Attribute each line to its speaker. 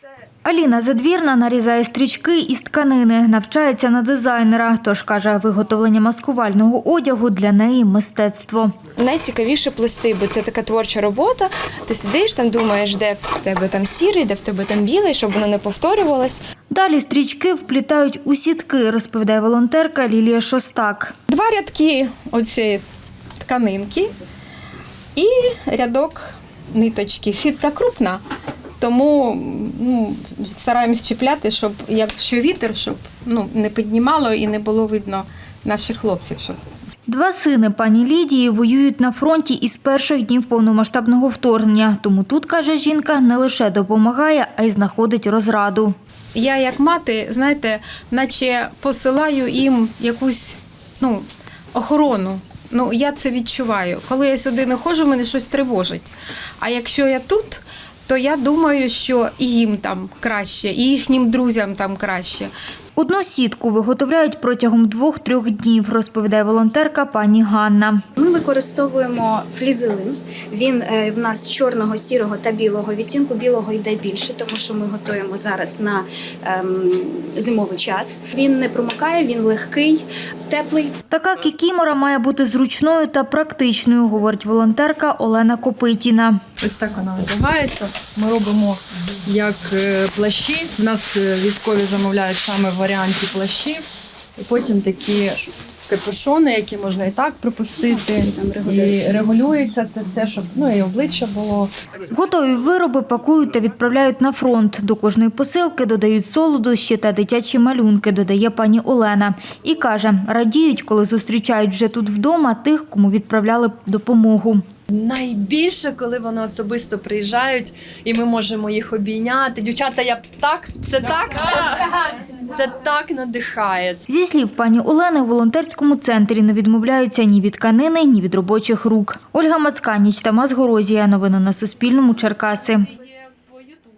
Speaker 1: Аліна Задвірна нарізає стрічки із тканини, навчається на дизайнера. Тож, каже, виготовлення маскувального одягу для неї – мистецтво.
Speaker 2: Найцікавіше плести, бо це така творча робота. Ти сидиш, там думаєш, де в тебе там сірий, де в тебе там білий, щоб воно не повторювалось.
Speaker 1: Далі стрічки вплітають у сітки, розповідає волонтерка Лілія Шостак.
Speaker 3: 2 рядки оцієї тканинки і рядок ниточки. Сітка крупна, тому стараємось чіпляти, щоб якщо вітер, щоб не піднімало і не було видно наших хлопців.
Speaker 1: 2 сини пані Лідії воюють на фронті із перших днів повномасштабного вторгнення. Тому тут, каже жінка, не лише допомагає, а й знаходить розраду.
Speaker 3: Я як мати, знаєте, наче посилаю їм якусь охорону. Я це відчуваю. Коли я сюди не ходжу, мене щось тривожить. А якщо я тут, то я думаю, що і їм там краще, і їхнім друзям там краще.
Speaker 1: Одну сітку виготовляють протягом 2-3 днів, розповідає волонтерка пані Ганна.
Speaker 4: Ми використовуємо флізелин. Він в нас чорного, сірого та білого відтінку. Білого йде більше, тому що ми готуємо зараз на зимовий час. Він не промокає, він легкий, теплий.
Speaker 1: Така кікімора має бути зручною та практичною, говорить волонтерка Олена Копитіна.
Speaker 5: Ось так вона одягається. Ми робимо як плащі. У нас військові замовляють саме в варіанті плащів. І потім такі капюшони, які можна і так припустити. І регулюється це все, щоб і обличчя було.
Speaker 1: Готові вироби пакують та відправляють на фронт. До кожної посилки додають солодощі та дитячі малюнки, додає пані Олена. І каже, радіють, коли зустрічають вже тут вдома тих, кому відправляли допомогу.
Speaker 5: Найбільше, коли вони особисто приїжджають, і ми можемо їх обійняти. Дівчата, це так надихає.
Speaker 1: Зі слів пані Олени, у волонтерському центрі не відмовляються ні від тканини, ні від робочих рук. Ольга Мацканіч, Тамас Горозія. Новини на Суспільному. Черкаси.